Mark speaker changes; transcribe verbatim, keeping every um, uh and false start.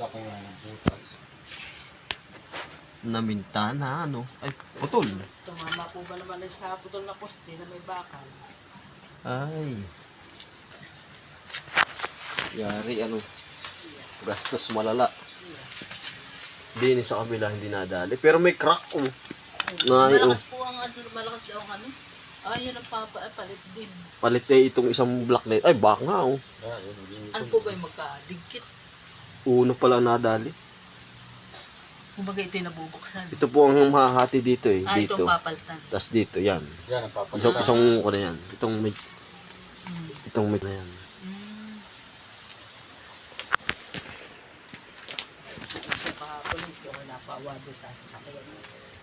Speaker 1: Laki nga ng butas.
Speaker 2: Naminta na ano. Ay, putol.
Speaker 3: Tumama po ba naman ay sa putol na poste na may bakal?
Speaker 2: Ay. Yari ano. Gastos malala. Hindi sa kabila hindi nadali. Pero may crack oh. Na,
Speaker 3: Malakas po ang ano, malakas daw ang ano. Ay, yun ang papalit din.
Speaker 2: Palit na itong isang block na ito. Ay, baka nga oh.
Speaker 3: Ano po ba yung magkadigkit?
Speaker 2: Uno pala nadali.
Speaker 3: Kumbaga ito yung nabubuksan.
Speaker 2: Ito po ang mahahati dito eh.
Speaker 3: Ah,
Speaker 2: Dito.
Speaker 3: itong papalitan.
Speaker 2: Tapos dito, yan.
Speaker 1: Yan ang papalit.
Speaker 2: Isang, isang ko na yan. Itong may,
Speaker 3: Mm.
Speaker 2: itong may na yan.
Speaker 3: Mm. Sa kahapon, hindi ako napawado sa sasakyan.